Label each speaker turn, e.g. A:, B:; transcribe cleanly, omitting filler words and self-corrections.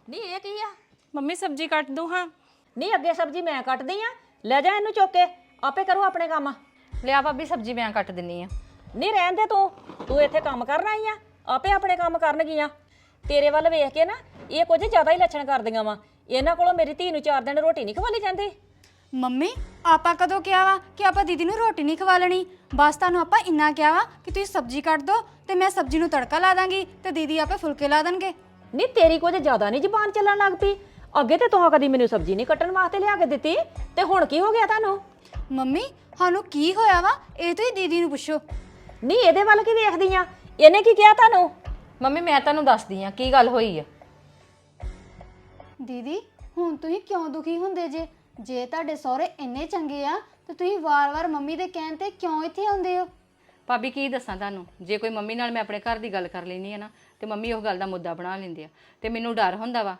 A: ਨਹੀਂ ਇਹ ਕੀ ਆ?
B: ਮੰਮੀ ਸਬਜ਼ੀ ਕੱਟ ਦੂੰ ਹਾਂ।
A: ਨਹੀਂ ਅੱਗੇ ਸਬਜ਼ੀ ਮੈਂ ਕੱਟਦੀ ਆ, ਲੈ ਜਾ ਇਹਨੂੰ ਚੁੱਕ ਕੇ, ਆਪੇ ਕਰੂ ਆਪਣੇ ਕੰਮ।
B: ਲਿਆ ਭਾਬੀ ਸਬਜ਼ੀ ਮੈਂ ਕੱਟ ਦਿੰਨੀ ਆ।
A: ਨਹੀਂ ਰਹਿਣ ਦੇ, ਤੂੰ ਇੱਥੇ ਕੰਮ ਕਰਨ ਆਈ ਆ, ਆਪੇ ਆਪਣੇ ਕੰਮ ਕਰਨਗੀਆਂ। ਤੇਰੇ ਵੱਲ ਵੇਖ ਕੇ ਨਾ ਇਹ ਕੁਝ ਜ਼ਿਆਦਾ ਹੀ ਲੱਛਣ ਕਰਦੀਆਂ ਵਾ। ਇਹਨਾਂ ਕੋਲੋਂ ਮੇਰੀ ਧੀ ਨੂੰ 4 ਦਿਨ ਰੋਟੀ ਨਹੀਂ ਖਵਾਲੀ ਜਾਂਦੀ।
C: ਮੰਮੀ ਆਪਾਂ ਕਦੋਂ ਕਿਹਾ ਵਾ ਕਿ ਆਪਾਂ ਦੀਦੀ ਨੂੰ ਰੋਟੀ ਨਹੀਂ ਖਵਾ ਲੈਣੀ? ਬਸ ਤੁਹਾਨੂੰ ਆਪਾਂ ਇੰਨਾ ਕਿਹਾ ਵਾ ਕਿ ਤੁਸੀਂ ਸਬਜ਼ੀ ਕੱਟ ਦਿਓ ਤੇ ਮੈਂ ਸਬਜ਼ੀ ਨੂੰ ਤੜਕਾ ਲਾ ਦਾਂਗੀ ਤੇ ਦੀਦੀ ਆਪੇ ਫੁਲਕੇ ਲਾ ਦੇਣਗੇ।
A: ਨਹੀਂ ਤੇਰੀ ਕੁਝ ਜ਼ਿਆਦਾ ਨਹੀਂ ਜ਼ਬਾਨ ਚੱਲਣ ਲੱਗ ਪਈ। ਅੱਗੇ ਤੇ ਤੂੰ ਕਦੀ ਮੈਨੂੰ ਸਬਜ਼ੀ ਨਹੀਂ ਕੱਟਣ ਵਾਸਤੇ ਲਿਆ ਕੇ ਦਿੱਤੀ, ਤੇ ਹੁਣ ਕੀ ਹੋ ਗਿਆ ਤੁਹਾਨੂੰ?
C: ਮੰਮੀ ਸਾਨੂੰ ਕੀ ਹੋਇਆ ਵਾ ਇਹ ਤੁਸੀਂ ਦੀਦੀ ਨੂੰ ਪੁੱਛੋ।
A: ਨਹੀਂ ਇਹਦੇ ਵੱਲ ਕੀ ਵੇਖਦੀ ਆ? ਇਹਨੇ ਕੀ ਕਿਹਾ ਤੁਹਾਨੂੰ?
B: ਮੰਮੀ ਮੈਂ ਤੁਹਾਨੂੰ ਦੱਸਦੀ ਆ ਕੀ ਗੱਲ ਹੋਈ ਆ।
C: ਦੀਦੀ ਹੁਣ ਤੁਸੀਂ ਕਿਉਂ ਦੁਖੀ ਹੁੰਦੇ ਜੇ ਤੁਹਾਡੇ ਸਹੁਰੇ ਇੰਨੇ ਚੰਗੇ ਆ ਤੇ ਤੁਸੀਂ ਵਾਰ-ਵਾਰ ਮੰਮੀ ਦੇ ਕਹਿਣ ਤੇ ਕਿਉਂ ਇੱਥੇ ਆਉਂਦੇ ਹੋ?
B: ਭਾਬੀ ਕੀ ਦੱਸਾਂ ਤੁਹਾਨੂੰ, ਜੇ ਕੋਈ ਮੰਮੀ ਨਾਲ ਮੈਂ ਆਪਣੇ ਘਰ ਦੀ ਗੱਲ ਕਰ ਲੈਣੀ ਆ ਨਾ ਤੇ ਮੰਮੀ ਉਹ ਗੱਲ ਦਾ ਮੁੱਦਾ ਬਣਾ ਲੈਂਦੇ ਆ ਤੇ ਮੈਨੂੰ ਡਰ ਹੁੰਦਾ ਵਾ